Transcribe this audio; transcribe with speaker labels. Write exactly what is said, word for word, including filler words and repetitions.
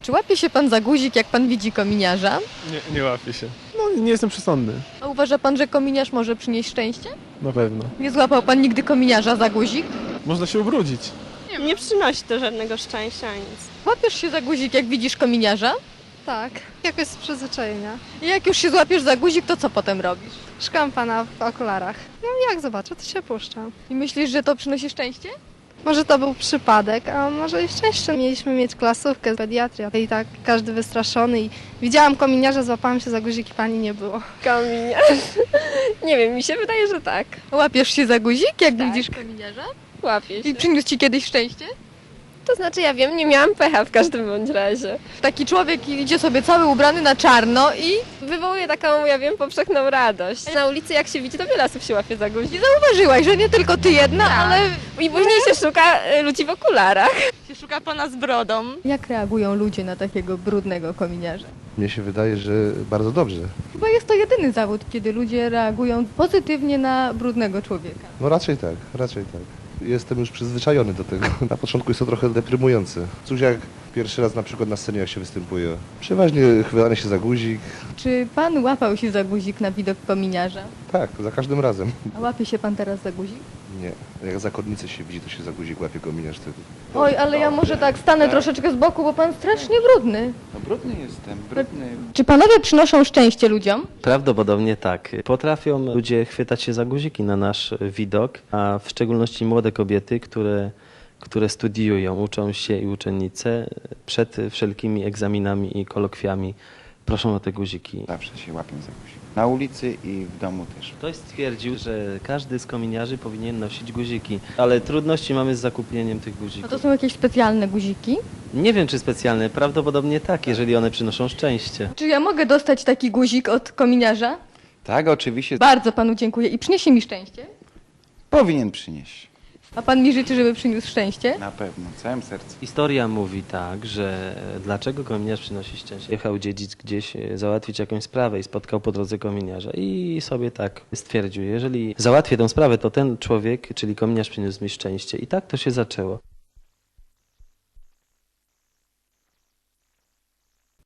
Speaker 1: Czy łapie się pan za guzik, jak pan widzi kominiarza?
Speaker 2: Nie, nie łapię się. No nie jestem przesądny.
Speaker 1: A uważa pan, że kominiarz może przynieść szczęście?
Speaker 2: Na pewno.
Speaker 1: Nie złapał pan nigdy kominiarza za guzik?
Speaker 2: Można się ubrudzić.
Speaker 3: Nie, nie przynosi to żadnego szczęścia ani nic.
Speaker 1: Łapiesz się za guzik, jak widzisz kominiarza?
Speaker 4: Tak, jakoś z przyzwyczajenia.
Speaker 1: I jak już się złapiesz za guzik, to co potem robisz?
Speaker 4: Szukam pana w okularach. No jak zobaczę, to się puszczam.
Speaker 1: I myślisz, że to przynosi szczęście?
Speaker 4: Może to był przypadek, a może i szczęście. Mieliśmy mieć klasówkę, pediatria i tak każdy wystraszony i widziałam kominiarza, złapałam się za guzik i pani nie było.
Speaker 3: Kominiarz? Nie wiem, mi się wydaje, że tak.
Speaker 1: Łapiesz się za guzik, jak
Speaker 3: Tak.
Speaker 1: widzisz kominiarza?
Speaker 3: Łapię się.
Speaker 1: I przyniósł ci kiedyś szczęście?
Speaker 3: To znaczy ja wiem, nie miałam pecha w każdym bądź razie.
Speaker 1: Taki człowiek idzie sobie cały ubrany na czarno i
Speaker 3: Wywołuje taką, ja wiem, powszechną radość. Na ulicy jak się widzi, to wiele osób się łapie za guzik.
Speaker 1: nie zauważyłaś, że nie tylko ty jedna,
Speaker 3: Tak.
Speaker 1: ale...
Speaker 3: I później się szuka y, ludzi w okularach.
Speaker 5: Się szuka pana z brodą.
Speaker 1: Jak reagują ludzie na takiego brudnego kominiarza?
Speaker 6: Mnie się wydaje, że bardzo dobrze.
Speaker 1: Chyba jest to jedyny zawód, kiedy ludzie reagują pozytywnie na brudnego człowieka.
Speaker 6: No raczej tak, raczej tak. Jestem już przyzwyczajony do tego. Na początku jest to trochę deprymujące. Cóż jak pierwszy raz na przykład na scenie jak się występuje. Przeważnie chwytanie się za guzik.
Speaker 1: Czy pan łapał się za guzik na widok kominiarza?
Speaker 6: Tak, za każdym razem.
Speaker 1: A łapie się pan teraz za guzik?
Speaker 6: Nie, jak zakonnicę się widzi, to się za guzik łapie kominiarz wtedy.
Speaker 1: Oj, ale ja może tak stanę troszeczkę z boku, bo pan strasznie brudny.
Speaker 7: No brudny jestem, brudny.
Speaker 1: Czy panowie przynoszą szczęście ludziom?
Speaker 8: Prawdopodobnie tak. Potrafią ludzie chwytać się za guziki na nasz widok, a w szczególności młode kobiety, które, które studiują, uczą się i uczennice przed wszelkimi egzaminami i kolokwiami proszą o te guziki.
Speaker 7: Zawsze się łapię za guzik. Na ulicy i w domu też.
Speaker 8: Ktoś stwierdził, że każdy z kominiarzy powinien nosić guziki, ale trudności mamy z zakupieniem tych
Speaker 1: A
Speaker 8: guzików.
Speaker 1: to są jakieś specjalne guziki?
Speaker 8: Nie wiem, czy specjalne, prawdopodobnie tak, jeżeli one przynoszą szczęście.
Speaker 1: Czy ja mogę dostać taki guzik od kominiarza?
Speaker 7: Tak, oczywiście
Speaker 1: Bardzo panu dziękuję i przyniesie mi szczęście.
Speaker 7: powinien przynieść.
Speaker 1: A pan mi życzy, żeby przyniósł szczęście?
Speaker 7: Na pewno, całym sercem.
Speaker 8: Historia mówi tak, że dlaczego kominiarz przynosi szczęście. Jechał dziedzic gdzieś e, załatwić jakąś sprawę i spotkał po drodze kominiarza i sobie tak stwierdził, jeżeli załatwię tę sprawę, to ten człowiek, czyli kominiarz przyniósł mi szczęście. I tak to się zaczęło.